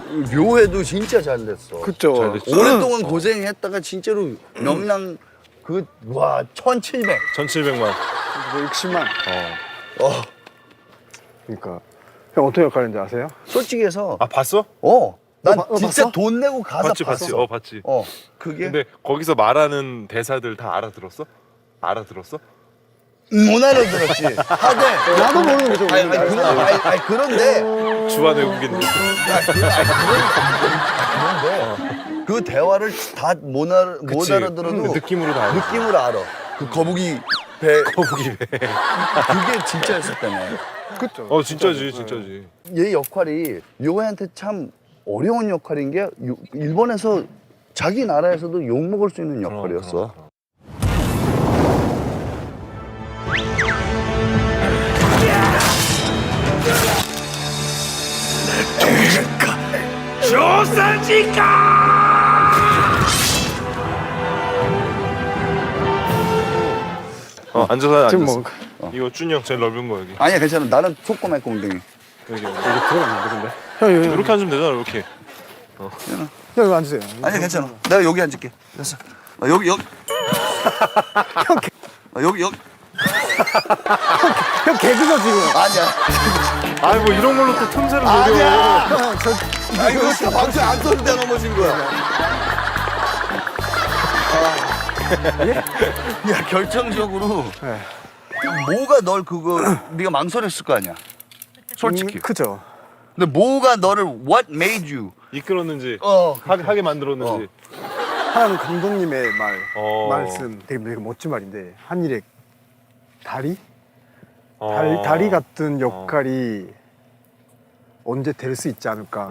묘해도 진짜 잘 됐어. 그쵸. 잘 됐죠. 오랫동안 고생했다가 진짜로 명량 와 1,700. 1,700만. 60만. 어 그러니까 형 어떤 역할인지 아세요? 솔직히 해서 아 봤어? 난 어, 진짜 봤어? 돈 내고 가서 봤지 봤어. 봤지. 봤지. 그게 근데 거기서 말하는 대사들 다 알아들었어? 알아들었어? 못 알아들었지. 하되 나도 모르는 게좀 아니 그런데 주한 외국인들. 그런데 그 대화를 다 못 그치. 알아들어도 느낌으로 다 알아. 느낌으로 알아. 그 거북이 배 거북이 배. 그게 진짜였었다며. 그쵸. 진짜지 진짜지. 얘 역할이 요해한테 참 어려운 역할인 게 일본에서 자기 나라에서도 욕 먹을 수 있는 역할이었어. 앉아서 지금 앉았어. 뭐 이거 준이 형 제일 넓은 거 여기. 아니야 괜찮아. 나는 소꼬맨 엉덩이. 여기. 이게 들어갔는데 근데. 형 이렇게 앉으면 되잖아 이렇게. 형 여기 앉으세요. 아니야 괜찮아. 내가 여기 앉을게. 됐어. 여기 형 개그죠 지금. 아니야. 아니 뭐 이런 걸로 또 틈새를 노려. 아니야. 형, 아 이거 진짜 방송 안 썼는데 넘어진 거야. 야 결정적으로 네. 뭐가 널 네가 망설였을 거 아니야. 솔직히. 그죠. 근데 뭐가 너를 what made you 이끌었는지 어 하게 만들었는지. 한 감독님의 말씀 되게 멋진 말인데 한 일의 다리? 다리 같은 역할이 언제 될 수 있지 않을까.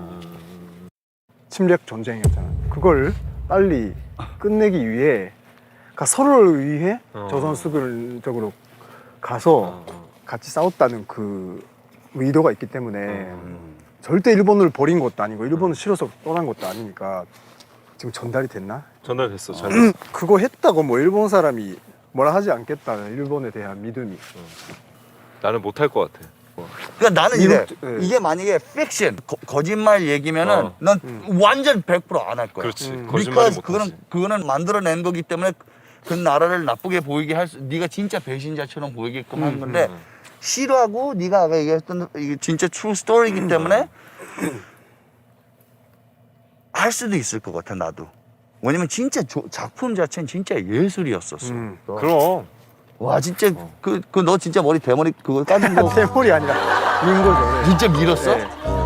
침략 전쟁이었잖아요. 그걸 빨리 끝내기 위해 그러니까 서로를 위해 저 선수들적으로 가서 같이 싸웠다는 그 의도가 있기 때문에 절대 일본을 버린 것도 아니고 일본을 싫어서 떠난 것도 아니니까 지금 전달이 됐나? 전달됐어. 잘 됐어. 그거 했다고 뭐 일본 사람이 뭐라 하지 않겠다는 일본에 대한 믿음이. 나는 못할 것 같아. 그러니까 나는 네. 이게 만약에 픽션 거짓말 얘기면은 난 완전 100% 안 할 거야. 그렇지. 거짓말이 because 못하지. 그거는 만들어낸 거기 때문에 그 나라를 나쁘게 보이게 네가 진짜 배신자처럼 보이게끔 한 건데 싫어하고 네가 아까 얘기했던 이게 진짜 true story이기 때문에 할 수도 있을 것 같아 나도. 왜냐면 진짜 작품 자체는 진짜 예술이었었어. 그럼. 와 진짜 그 너 진짜 머리 대머리 그거 까진 거 대물이 아니라 민 거죠. 진짜 밀었어? 네.